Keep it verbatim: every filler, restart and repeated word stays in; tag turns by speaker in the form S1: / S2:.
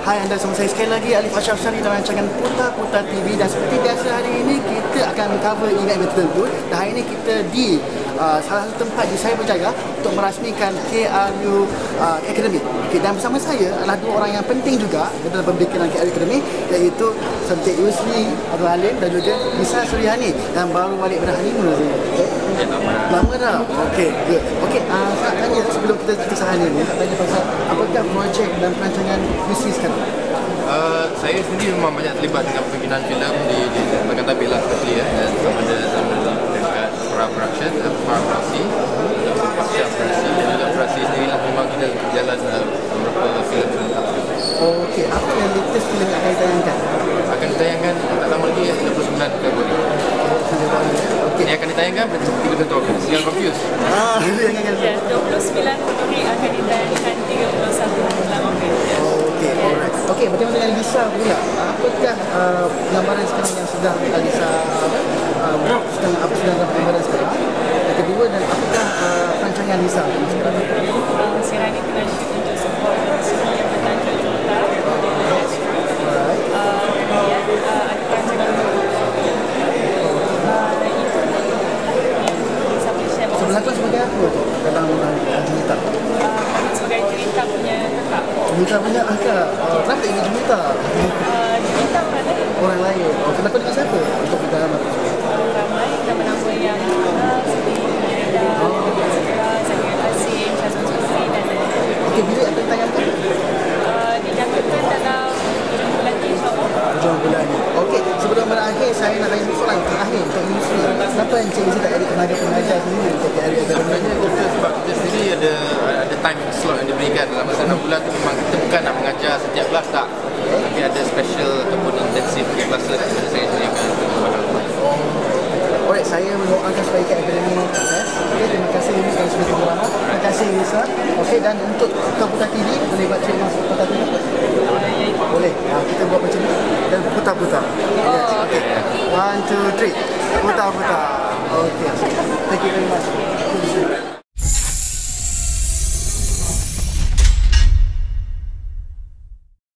S1: Hai anda semua, saya sekali lagi Alif Ashraf Syari dalam rancangan Putar-Putar T V. Dan seperti biasa hari ini kita akan cover event tertentu. Dan hari ini kita di uh, salah satu tempat di Cyberjaya untuk merasmikan K R U uh, Academy. Okay, dan bersama saya adalah dua orang yang penting juga dalam pembikinan K R U Academy, iaitu Encik Yusri Abdul Halim dan juga Lisa Suryani yang baru balik dari honeymoon. Lama dah? Okey, good. Okey, uh, saya nak tanya sebelum kita kisah honeymoon, nak tanya pasal apakah projek dan perancangan Yusri sekarang?
S2: Uh, saya sendiri memang banyak terlibat dengan pembikinan filem di di Bagan Tabik lah especially ya, dan sama ada sama dekat Pra Production, Pra Produksi, Pasca Produksi dan juga Produksi sendiri lah. Memang kita berjalan uh, beberapa filem serentak.
S1: Okey, apa yang latest filem yang akan ditayangkan?
S2: Akan ditayangkan tak lama lagi, tiga puluh sembilan Februari.
S1: Okey.
S2: Ini akan ditayangkan pada tiga puluh satu Ogos. Jangan confuse.
S1: Ah,
S3: Ya, dua puluh sembilan Februari akan ditayangkan tiga puluh satu Ogos.
S1: Okey, alright. Okey, bagaimana dengan Lisa pula? Apakah uh, gambaran sekarang yang sedang Lisa uh, sedang apa sedang dalam gambaran sekarang? Yang kedua, dan apakah uh, perancangan Lisa sekarang?
S3: Uh, sekarang ini tengah shoot untuk sebuah film yang bertajuk Jota.
S1: Alright.
S3: Uh, kemudian uh, ada perancangan untuk film. Uh, itu yang saya boleh share.
S1: Sebelah tu sebagai apa tu dalam uh, Jumita?
S3: Uh, kami sebagai cerita punya kakak.
S1: Jumita punya akak. Uh, kenapa ingin Jumita?
S3: Uh, cerita orang lain.
S1: Orang lain. Oh, kenapa dengan siapa untuk kita dalam tu?
S3: Uh, ramai nama-nama yang uh, seperti Reda, Zahra, Zahir Asim, Syazwan Zulfi dan lain-lain.
S1: Okey, bila akan ditayangkan?
S3: Uh, dijangkakan dalam hujung bulan ni, insyaAllah.
S1: Hujung bulan ni. Okey, sebelum berakhir saya nak tanya soalan terakhir untuk Yusri. Kenapa Encik Yusri tak ada tenaga-pengajar sendiri untuk K R U?
S2: Sebenarnya kita sebab kita sendiri ada ada time slot yang diberikan dalam masa enam bulan tu. Memang kita bukan nak mengajar setiap kelas tak, tapi ada special ataupun intensif kelas lah yang saya sediakan untuk kepada rumah.
S1: Alright, saya mendoakan supaya K R U Academy sukses. Okey, terima kasih Yusri kerana sudah bersama. Terima kasih Lisa. Okey, dan untuk Putar-Putar T V boleh buat trademark Putar T V? Boleh. Ha, kita buat macam ni dan putar-putar. Yes. Okey. One, two, three. Putar-putar. Okey. Thank you very much.